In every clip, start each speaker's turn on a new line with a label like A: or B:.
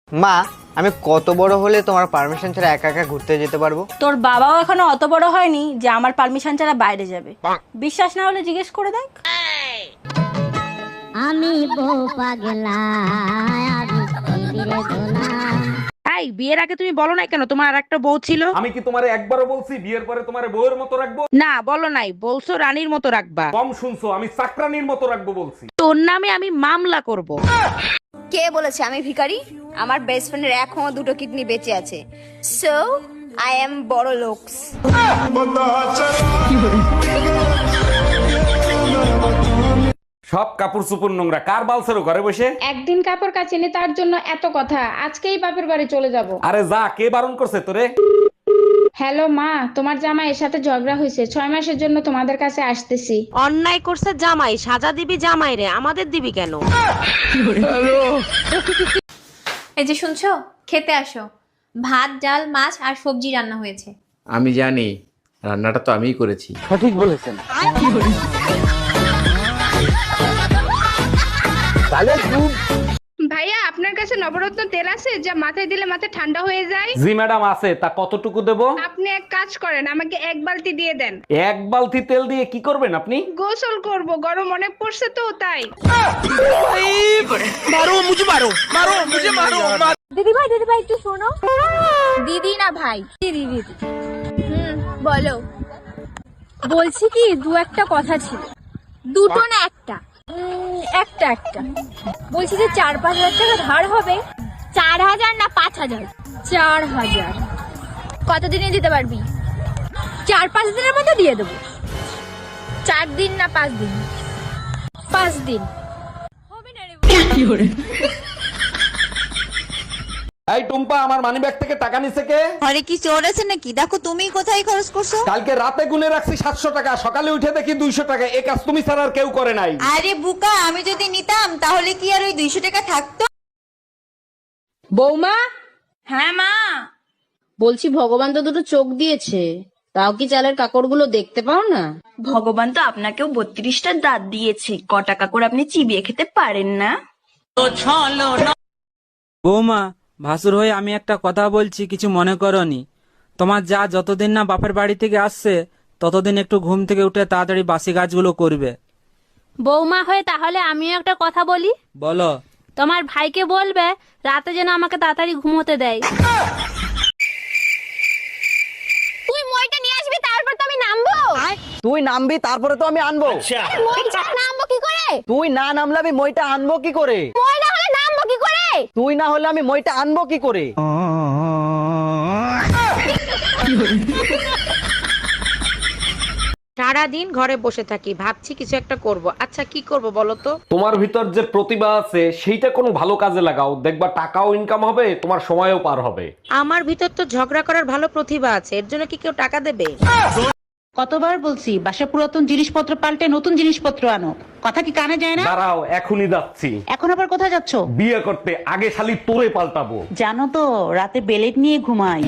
A: মা, আমি কত বড় হলে তোমার পারমিশন ছাড়া একা একা ঘুরতে যেতে পারবো?
B: তোর বাবাও এখনো অত বড় হয়নি যে আমার পারমিশন ছাড়া বাইরে যাবে। বিশ্বাস না হলে জিজ্ঞেস করে দেখ।
C: আমি বউ পাগলা
D: এই বিয়ের আগে তুমি বলো নাই কেন তোমার আর একটা বউ ছিল?
E: আমি কি তোমারে একবারও বলছি বিয়ের পরে তোমারে বউয়ের মতো রাখবো?
D: না বলো নাই, বলছো রানীর মতো রাখবা।
E: কম শুনছো, আমি চাকরানির মতো রাখবো বলছি।
D: তোর নামে আমি মামলা করব।
F: কে বলেছে আমি ভিখারি? আমার বেস্ট ফ্রেন্ডের এখনো 2টো কিডনি বেঁচে আছে। সো আই এম বড় লোকস।
E: সব কাপড় চুপুর নোংরা, কার বালছেরো ঘরে বসে?
G: একদিন কাপড় কাচিনি তার জন্য এত কথা, আজকেই বাপের বাড়ি চলে যাব।
E: আরে যা, কে বারণ করছে তোরে?
G: হ্যালো মা, তোমার জামাইয়ের সাথে ঝগড়া হয়েছে, 6 মাসের জন্য তোমাদের কাছে আসতেছি।
D: অন্যায় করছে জামাই, সাজা দিবি জামাই রে, আমাদের দিবি কেন?
H: এই যে শুনছো, খেতে আসো। ভাত, ডাল, মাছ আর সবজি রান্না হয়েছে।
I: আমি জানি, রান্নাটা তো আমিই করেছি।
A: সঠিক বলেছেন।
G: ভাইয়া, আপনার কাছে নবরত্ন তেল আছে যা মাথায় দিলে মাথা ঠান্ডা হয়ে যায়?
E: জি ম্যাডাম আছে, তা কতটুকু দেবো?
G: আপনি এক কাজ করেন, আমাকে 1 বালতি দিয়ে দেন।
E: এক বালতি তেল দিয়ে কি করবেন আপনি?
G: গোসল করব, গরম অনেক পড়ছে তো তাই।
F: দিদি ভাই একটু শোনো। দিদি না ভাই, দিদি দিদি। বলো।
B: বলছি কি, দু একটা কথা ছিল।
F: দুটো না একটা?
B: একটা বলছি যে 4-5 হাজার টাকা ধার হবে।
F: 4000 না 5000?
B: 4000।
F: কতদিনে দিতে পারবি?
B: 4-5 দিনের মধ্যে দিয়ে দেবো।
F: 4 দিন না 5 দিন?
B: 5 দিন।
E: এই টুম্পা, আমার মানি ব্যাগ থেকে টাকা নিছে কে?
J: ঘরে কি চোর আছে নাকি? দেখো তুমি কোথায় খরচ করছো।
E: কালকে রাতে গুনে রাখছি 700 টাকা, সকালে উঠে দেখি 200 টাকা। এই কাজ তুমি ছাড়া আর কেউ করে নাই।
J: আরে বুকা, আমি যদি নিতাম তাহলে কি আর ওই 200 টাকা থাকতো?
G: বৌমা,
B: হ্যাঁ মা।
G: বলছি ভগবান তো 2টো চোখ দিয়েছে, তাও কি চালের কাকড়গুলো দেখতে পাও না?
B: ভগবান তো আপনাকেও 32টা দাঁত দিয়েছে, কটা কাকড় আপনি চিবিয়ে খেতে পারেন না?
K: বৌমা, ভাসুর হয়ে আমি একটা কথা বলছি, কিছু মনে করনি। তোমার যা যতদিন না বাপের বাড়ি থেকে আসছে ততদিন একটু ঘুম থেকে উঠে তাড়াতাড়ি বাসি কাজগুলো করবে।
B: বৌমা হয়ে তাহলে আমিও একটা কথা বলি।
K: বলো।
B: তোমার ভাইকে বলবে রাতে যেন আমাকে তাড়াতাড়ি ঘুমোতে দেয়।
F: তুই মইটা নিয়ে আসবি, তারপর তো আমি নামবো।
A: তুই নামবি তারপরে তো আমি আনবো।
F: মই ছাড়া নামবো কি করে?
A: তুই না নামলে আমি মইটা আনবো কি করে?
F: মই না হলে নামবো কি করে?
A: তুই না হলে আমি মইটা আনবো কি করে?
D: সারাদিন ঘরে বসে থাকি, ভাবছি কিছু একটা করব। আচ্ছা কি করব বলো তো?
E: তোমার ভিতর যে প্রতিভা আছে সেইটা কোনো ভালো কাজে লাগাও, দেখবা টাকাও ইনকাম হবে, তোমার সময়ও পার হবে।
D: আমার ভিতর তো ঝগড়া করার ভালো প্রতিভা আছে, এর জন্য কি কেউ টাকা দেবে?
L: কতবার বলছি বাসা পুরাতন জিনিসপত্র পাল্টে নতুন জিনিসপত্র আনো, কথা কি কানে যায় না?
E: দাঁড়াও, এখনই যাচ্ছি।
L: এখন আবার কোথায় যাচ্ছো?
E: বিয়ে করতে, আগে শালি তোরে পাল্টাবো।
L: জানো তো রাতে বেলেট নিয়ে ঘুমাই।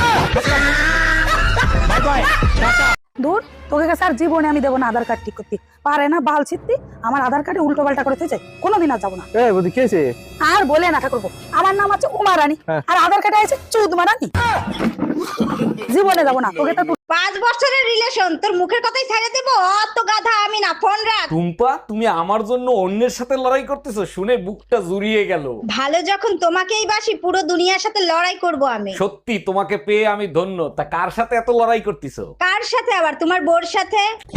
M: দূর, তোকে কাছে আর জীবনে আমি দেবো না আধার কার্ড ঠিক করতে। পারে না বাল ছিত্তি, আমার আধার কার্ডে উল্টো পাল্টা করে থেছে, কোনোদিন আর যাবো না। আর বলে না ঠাকুরপো, আমার নাম আছে উমা রানী, আর আধার কার্ডে আছে চৌধুমা রানী। জীবনে যাবো না, তোকে তো
F: 5 বছরের রিলেশন, তোর মুখের কথাই ছেড়ে দেব? অত গাধা আমি না, ফোন রাখ।
E: টুম্পা, তুমি আমার জন্য অন্যের সাথে লড়াই করতেছো শুনে বুকটা জুড়িয়ে গেল।
F: ভালো যখন তোমাকেই বাসি, পুরো দুনিয়ার সাথে লড়াই করব আমি।
E: সত্যি তোমাকে পেয়ে আমি ধন্য। তা কার সাথে এত লড়াই করতেছো?
F: কার সাথে আবার? তোমার বোর সাথে।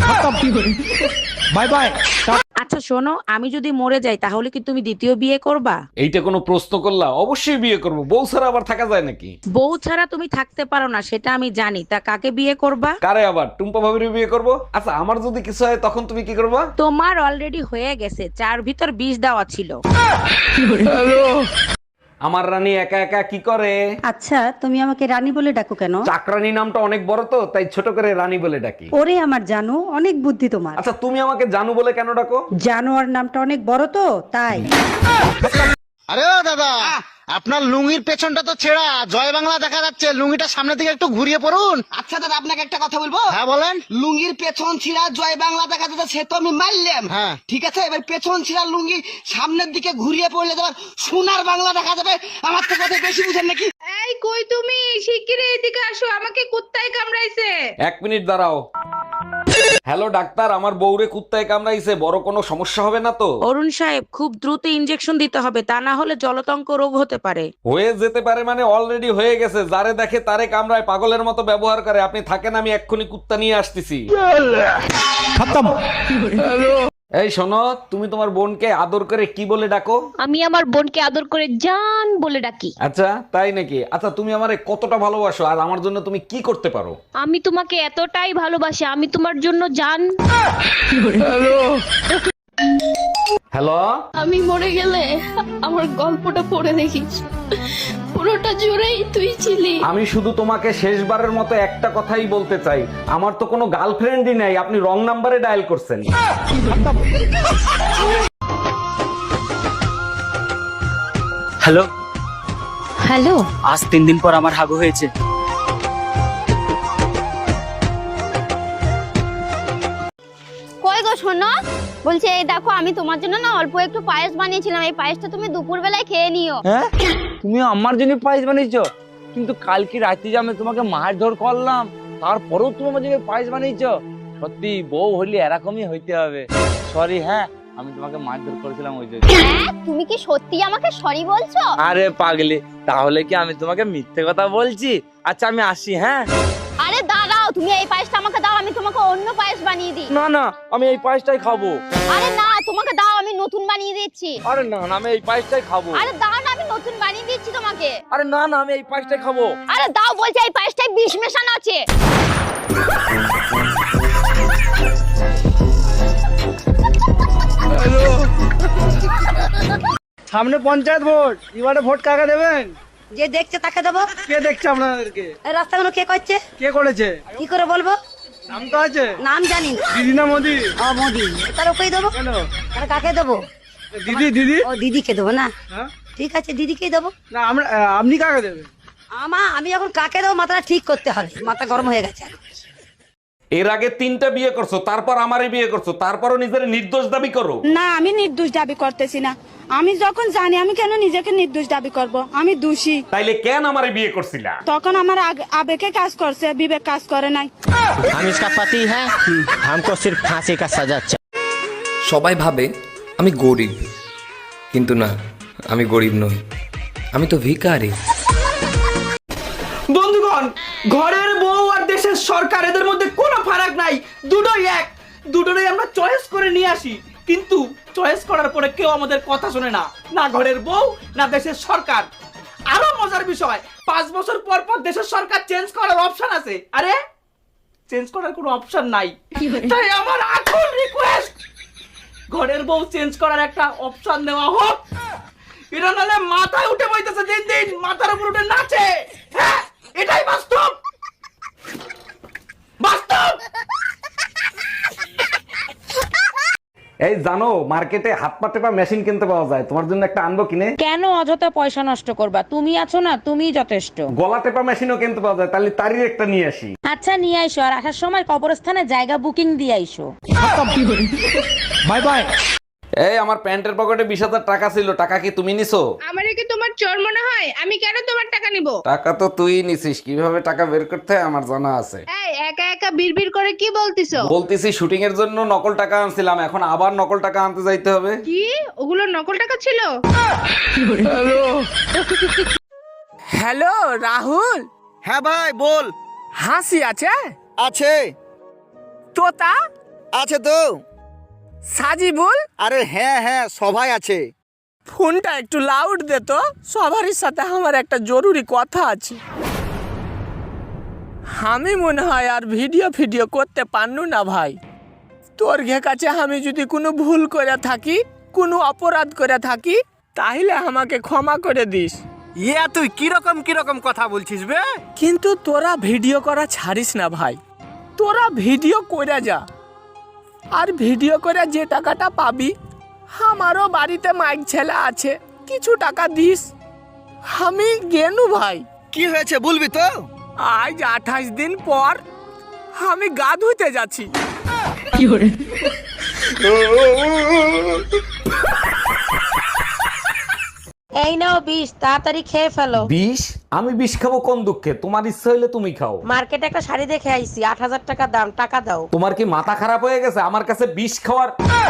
E: Bye bye.
D: আচ্ছা শোনো, আমি যদি মরে যাই তাহলে কি তুমি দ্বিতীয় বিয়ে করবা?
E: এইটা কোনো প্রশ্ন করলা? অবশ্যই বিয়ে করবো, বউ ছাড়া আবার থাকা যায় নাকি?
D: বউ ছাড়া তুমি থাকতে পারো না সেটা আমি জানি, তা কাকে বিয়ে করবা?
E: কারে আবার? টুম্পা ভাবির বিয়ে করবো। আচ্ছা, আমার যদি কিছু হয় তখন তুমি কি করবা?
D: তোমার অলরেডি হয়ে গেছে, 4 ভিতর 20 দেওয়া ছিল।
E: আমার রানী একা একা কি করে?
J: আচ্ছা তুমি আমাকে রানী বলে ডাকো কেন?
E: চাকরানী নামটা অনেক বড় তো, তাই ছোট করে রানী বলে ডাকি।
J: ওরে আমার জানো, অনেক বুদ্ধি তোমার।
E: আচ্ছা, তুমি আমাকে জানু বলে কেন ডাকো?
J: জানোয়ার নামটা অনেক বড় তো তাই।
A: আরে ও দাদা,
N: আপনার লুঙ্গির পেছনটা তো ছেঁড়া, জয় বাংলা দেখা যাচ্ছে, লুঙ্গিটা সামনের দিকে একটু ঘুরিয়ে পড়ুন।
O: আচ্ছা দাদা আপনাকে একটা কথা বলবো।
N: হ্যাঁ বলেন।
O: লুঙ্গির পেছন ছিঁড়া জয় বাংলা দেখা যাচ্ছে, সে তো আমি মারলাম।
N: হ্যাঁ
O: ঠিক আছে, এবার পেছন ছিঁড়া লুঙ্গি সামনের দিকে ঘুরিয়ে পড়লে তোমার সোনার বাংলা দেখা যাবে। আমার তো কথা বেশি বুঝেন নাকি?
G: এই কই তুমি, শিগগিরই এদিকে আসো, আমাকে কুত্তায় কামড়াইছে।
E: 1 মিনিট দাঁড়াও। হ্যালো ডাক্তার, আমার বউরে কুত্তায় কামড়াইছে, বড় কোনো সমস্যা হবে না তো?
D: অরুণ সাহেব, খুব দ্রুত ইনজেকশন দিতে হবে, তা না হলে জলতঙ্ক রোগ হতে পারে।
E: হয়ে যেতে পারে মানে অলরেডি হয়ে গেছে। যারে দেখে তারে কামড়ায়, পাগলের মতো ব্যবহার করে। আপনি থাকেন, আমি এক্ষুনি কুত্তা নিয়ে আসতেছি। এই শোনো, তুমি তোমার বোনকে আদর করে কি বলে ডাকো?
J: আমি আমার বোনকে আদর করে জান বলে ডাকি।
E: আচ্ছা তাই নাকি? আচ্ছা তুমি আমারে কতটা ভালোবাসো আর আমার জন্য তুমি কি করতে পারো?
J: আমি তোমাকে এতটাই ভালোবাসি, আমি তোমার জন্য জান।
E: হ্যালো,
J: আমি মরে গেলে আমার গল্পটা পড়ে দেখিস, পুরোটা জুড়েই তুই ছিলি।
E: আমি শুধু তোমাকে শেষবারের মতো একটা কথাই বলতে চাই, আমার তো কোনো গার্লফ্রেন্ডই নাই, আপনি রং নাম্বারে ডায়াল করছেন।
K: হ্যালো
J: হ্যালো,
K: আজ 3 দিন পর আমার হাগু হয়েছে।
F: কই গো শোনো, বলছে এই দেখো আমি তোমার জন্য না অল্প একটু পায়েস বানিয়েছিলাম, এই পায়েসটা তুমি দুপুর বেলায় খেয়ে নিও।
K: হ্যাঁ, তুমি আমার জন্য পায়েস বানিয়েছো? কিন্তু কালকে রাতে যে আমি তোমাকে মারধর করলাম, তারপরেও তুমি আমার জন্য পায়েস বানিয়েছো? সত্যি বউ হলে এরকমই হইতে হবে। সরি, হ্যাঁ আমি তোমাকে মারধর করেছিলাম ওই জন্য।
F: হ্যাঁ, তুমি কি সত্যি আমাকে সরি বলছো?
K: আরে পাগলি, তাহলে কি আমি তোমাকে মিথ্যে কথা বলছি? আচ্ছা আমি আসি। হ্যাঁ,
F: আরে দাঁড়াও, তুমি এই পায়েসটা আমাকে দাও, আমি তোমাকে অন্য পায়েস বানিয়ে দিই।
K: না না, আমি এই পায়েসটাই খাবো।
F: আরে না, তোমাকে দাও, আমি নতুন বানিয়ে দিচ্ছি।
K: আরে না না, আমি এই পায়েসটাই খাবো।
F: আরে দাও না, আমি নতুন বানিয়ে দিচ্ছি তোমাকে।
K: আরে না না, আমি এই পায়েসটাই খাবো।
F: আরে দাও বলছি, এই পায়েসটায় বিষ মেশানো আছে।
K: সামনে পঞ্চায়েত ভোট, এবারে ভোট কাকে দেবেন?
M: যে দেখছে তাকে দেবো।
K: কে দেখছে আপনাদেরকে?
M: রাস্তাগুলো কে করছে?
K: কে করেছে?
M: কি করে বলবো?
K: নাম তো আছে।
M: নাম জানি না।
K: দিদি না মোদি?
M: মোদি। তার ওকেই দেবো।
K: কেন?
M: তাহলে কাকে দেবো?
K: দিদি। দিদি?
M: ও দিদিকে দেবো না?
K: হ্যাঁ
M: ঠিক আছে, দিদিকেই দেবো।
K: না, আপনি কাকে দেবেন?
M: আমি এখন কাকে দেবো মাথাটা ঠিক করতে হবে, মাথা গরম হয়ে গেছে।
E: এর আগে 3টা বিয়ে করছো, তারপর আমারই বিয়ে করছো, তারপরও নিজের নির্দোষ দাবি করো।
B: না, আমি নির্দোষ দাবি করতেছি না। আমি যখন জানি, আমি কেন নিজেকে নির্দোষ দাবি করব? আমি দোষী।
E: তাইলে কেন আমারে বিয়ে করছিলা?
B: তখন আমার আবেগে কাজ করছে, বিবেক কাজ করে নাই।
O: हम इसका पति है, हमको सिर्फ फांसी का सजा चाहिए।
P: সবাই ভাবে আমি গরিব, কিন্তু না, আমি গরিব নই, আমি তো ভিখারি।
K: বন্ধুগণ, ঘরের বউ আর দেশের সরকার, এদের মধ্যে কোনো ফারাক নাই, দুটোই এক। দুটোই আমরা চয়েস করে নিয়ে আসি, কিন্তু চয়েস করার পরে কেউ আমাদের কথা শোনে না, না ঘরের বউ না দেশের সরকার। আরো মজার বিষয়, 5 বছর পর পর দেশের সরকার চেঞ্জ করার অপশন আছে। আরে চেঞ্জ করার কোনো অপশন নাই, তাই আমার আকুল রিকোয়েস্ট, ঘরের বউ চেঞ্জ করার একটা অপশন দেওয়া হোক। এটা নাহলে মাথায় উঠে বইতেছে, দিন দিন মাথার উপর উঠে নাচে। হ্যাঁ, এটাই বাস্তব, বাস্তব।
E: এই জানো, মার্কেটে হাত পা টেপা মেশিন কিনতে পাওয়া যায়, তোমার জন্য একটা আনবো কিনে?
D: কেন অযথা পয়সা নষ্ট করবা? তুমি আছো না, তুমিই যথেষ্ট।
E: গলা টেপা মেশিনও কিনতে পাওয়া যায়, তাহলে তারই একটা নিয়ে আসি।
D: আচ্ছা নিয়ে আইসো, আর আসার সময় কবরস্থানে জায়গা বুকিং দিয়ে আইসো।
E: Bye bye. এই আমার প্যান্টের পকেটে 20,000 টাকা ছিল, টাকা কি তুমি নিছো?
G: আমারে কি তোমার চোর মনে হয়? আমি কেন তোমার টাকা নিব?
E: টাকা তো তুই নিছিস, কিভাবে টাকা বের করতে হয় আমার জানা আছে।
G: এই একা একা বিড়বিড় করে কি বলতিছো?
E: বলতেছি শুটিং এর জন্য নকল টাকা আনছিলাম, এখন আবার নকল টাকা আনতে যাইতে হবে।
G: কি ওগুলো নকল টাকা ছিল?
K: হ্যালো রাহুল।
N: হ্যাঁ ভাই বল।
K: হাসি আছে?
N: আছে।
K: তোতা
N: আছে তো।
K: সাজিবুল?
N: আরে হ্যাঁ হ্যাঁ, সবাই আছে।
K: ফোনটা একটু লাউড দে তো, সবারই সাথে আমার একটা জরুরি কথা আছে। আমি মনে হয় আর ভিডিও করতে পারনু না ভাই। তোর কাছে আমি যদি কোনো ভুল করে থাকি, কোনো অপরাধ করে থাকি, তাহলে আমাকে ক্ষমা করে দিস।
N: ইয়া তুই কিরকম কথা বলছিস বে?
K: কিন্তু তোরা ভিডিও করা ছাড়িস না ভাই, তোরা ভিডিও করে যা, আর ভিডিও করে যে টাকাটা পাবি, আমারও বাড়িতে মাইক ছেলে আছে, কিছু টাকা দিস। আমি গেনু ভাই।
O: কি হয়েছে বলবি তো?
K: আজ 28 দিন পর আমি গা ধুইতে যাচ্ছি।
D: এই নাও বিষ, তাড়াতাড়ি খেয়ে ফেলো।
E: বিষ? আমি বিষ খাবো কোন দুঃখে? তোমার ইচ্ছা হইলে তুমি খাও।
D: মার্কেটে একটা শাড়ি দেখে আইছি, 8000 টাকা দাম, টাকা দাও।
E: তোমার কি মাথা খারাপ হয়ে গেছে আমার কাছে বিষ খাওয়ার?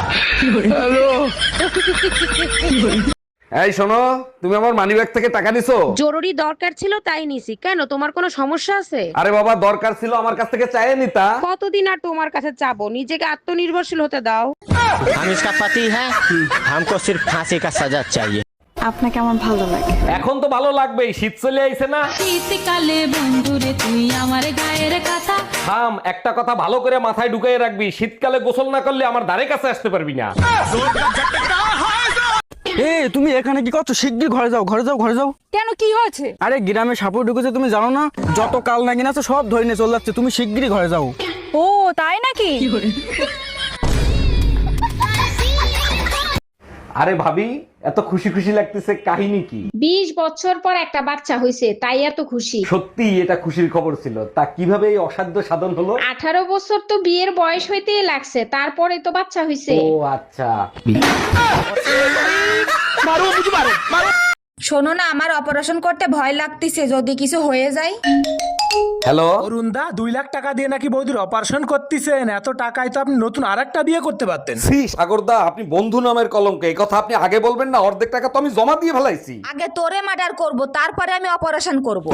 E: এই শোনো, তুমি আমার মানিব্যাগ থেকে টাকা নিছো?
D: জরুরি দরকার ছিল তাই নিছি। কেন, তোমার কোনো সমস্যা আছে?
E: আরে বাবা, দরকার ছিল আমার কাছ থেকে চাইয়ে নিতা।
D: কতদিন আর তোমার কাছে চাবো? নিজেকে আত্মনির্ভরশীল হতে দাও।
O: हम इसका पति है, हमको सिर्फ फांसी का सजा चाहिए।
J: আপনাকে আমার ভালো লাগে।
E: এখন তো ভালো লাগবেই, শীত চলে আইছে না?
J: শীতকালে বন্ধুরে তুই আমার গায়ের কথা।
E: থাম, একটা কথা ভালো করে মাথায় ঢুকিয়ে রাখবি, শীতকালে গোসল না করলে আমার ধারে কাছে আসতে পারবি না।
K: তুমি এখানে কি করছো? শিগগির ঘরে যাও, ঘরে যাও, ঘরে যাও।
B: কেন, কি হয়েছে?
K: আরে গ্রামে সাপুর ঢুকেছে, তুমি জানো না? যত কাল নাগিন আছে সব ধরে নিয়ে চলে যাচ্ছে, তুমি শিগগিরই ঘরে যাও।
B: ও তাই নাকি?
E: আরে ভাবি, এত খুশি খুশি লাগতেছে, কাহিনী কি?
G: 20 বছর পর একটা বাচ্চা হয়েছে, তাই এত খুশি।
E: সত্যি এটা খুশির খবর ছিল। তা কিভাবে এই অসাধ্য সাধন হলো?
G: 18 বছর তো বিয়ের বয়স হইতেই লাগছে, তারপরে তো বাচ্চা হয়েছে।
E: ও আচ্ছা।
F: শোনো না, আমার অপারেশন করতে ভয় লাগতেছে, যদি কিছু হয়ে যায়।
E: হ্যালো
K: অরুণদা, 2 লাখ টাকা দিয়ে নাকি বৌদির অপারেশন করতেছেন? এত টাকায় তো আপনি নতুন আরেকটা বিয়ে করতে পারতেন।
E: সাগরদা, আপনি বন্ধু নামের কলঙ্ক, এই কথা আপনি আগে বলবেন না? অর্ধেক টাকা তো আমি জমা দিয়ে ফেলাইছি।
F: আগে তোরে মার্ডার করব, তারপরে আমি অপারেশন করব।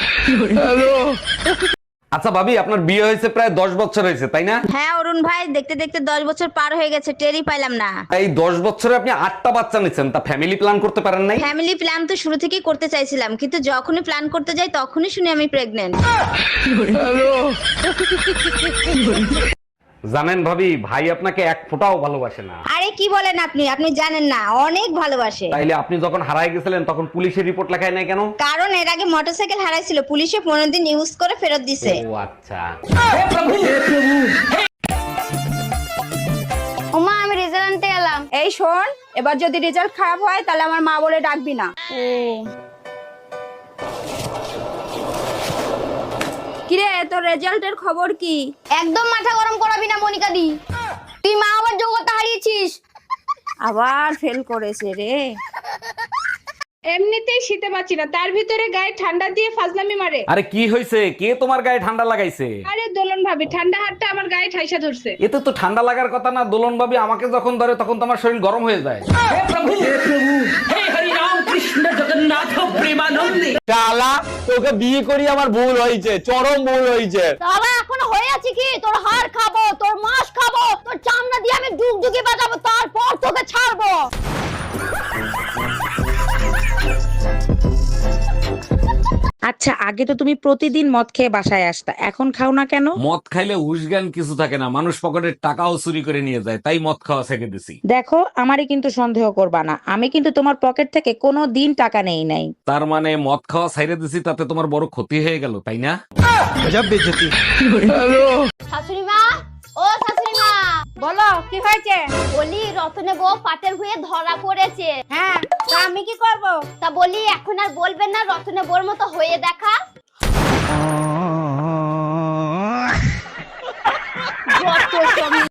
E: আচ্ছা ভাবি, আপনার বিয়ে হয়েছে প্রায় 10 বছর হয়েছে, তাই না?
F: হ্যাঁ অরুণ ভাই, দেখতে দেখতে 10 বছর পার হয়ে গেছে, টেরই পাইলাম না।
E: এই 10 বছরে আপনি 8টা বাচ্চা নিচ্ছেন, তা ফ্যামিলি প্ল্যান করতে পারেন নাই?
F: ফ্যামিলি প্ল্যান তো শুরু থেকেই করতে চাইছিলাম, কিন্তু যখনই প্ল্যান করতে যাই তখনই শুনি আমি প্রেগন্যান্ট।
E: জানেন ভাবি, ভাই আপনাকে এক ফোঁটাও ভালোবাসে না।
F: আরে কি বলেন আপনি? আপনি জানেন না, অনেক ভালোবাসে।
E: তাইলে আপনি যখন হারায় গেছিলেন তখন পুলিশের রিপোর্ট লেখায় নাই কেন?
F: কারণ এর আগে মোটরসাইকেল হারাইছিল, পুলিশে 15 দিন ইউজ করে ফেরত দিছে।
E: ও আচ্ছা।
F: ওমা, আমি রেজাল্ট আনতে এলাম।
B: এই শোন, এবার যদি রেজাল্ট খারাপ হয় তাহলে আমার মা বলে ডাকবি না। কিরে, তোর রেজাল্টের খবর কি?
F: একদম মাথা গরম করাবি না মনিকা দি, তুই মা আবার যোগ্যতা হারিয়েছিস।
B: আবার ফেল করেছে রে।
G: এমনিতেই শীতে বাঁচি না, তার ভিতরে গায়ে ঠান্ডা দিয়ে ফাজলামি মারে।
E: আরে কি হয়েছে? কে তোমার গায়ে ঠান্ডা লাগাইছে?
G: আরে দোলন ভাবি, ঠান্ডা হাতটা আমার গায়ে ঠাইসা ধরছে।
E: এতে তো ঠান্ডা লাগার কথা না। দোলন ভাবি আমাকে যখন ধরে তখন তো আমার শরীর গরম হয়ে যায়।
K: শালা, তোকে বিয়ে করি আমার ভুল হয়েছে, চরম ভুল হয়েছে।
F: তাহলে এখনো হয়ে আছে কি? তোর হাড় খাবো, তোর মাংস খাবো, তোর চামড়া দিয়ে আমি ডুগডুগি বাজাবো, তারপর তোকে ছাড়বো।
D: আচ্ছা, আগে তো তুমি প্রতিদিন মদ খেয়ে বাসায় আসতা, এখন খাও না কেন?
E: মদ খাইলে হুশজ্ঞান কিছু থাকে না, মানুষ পকেটের টাকাও চুরি করে নিয়ে যায়, তাই মদ খাওয়া ছেড়ে দিছি।
D: দেখো, আমারই কিন্তু সন্দেহ করবা না, আমি কিন্তু তোমার পকেট থেকে কোনো দিন টাকা নেই নাই।
E: তার মানে মদ খাওয়া ছেড়ে দিছি, তাতে তোমার বড় ক্ষতি হয়ে গেল, তাই না?
F: শাশুড়ি মা, ও শাশুড়ি মা,
B: বলো, কি হয়েছে?
F: বলি রতনে বউ পাটের হয়ে ধরা পড়েছে।
B: হ্যাঁ, তা আমি কি করব?
F: তা বলি এখন আর বলবেন না, রতনে বউর মতো হয়ে দেখা।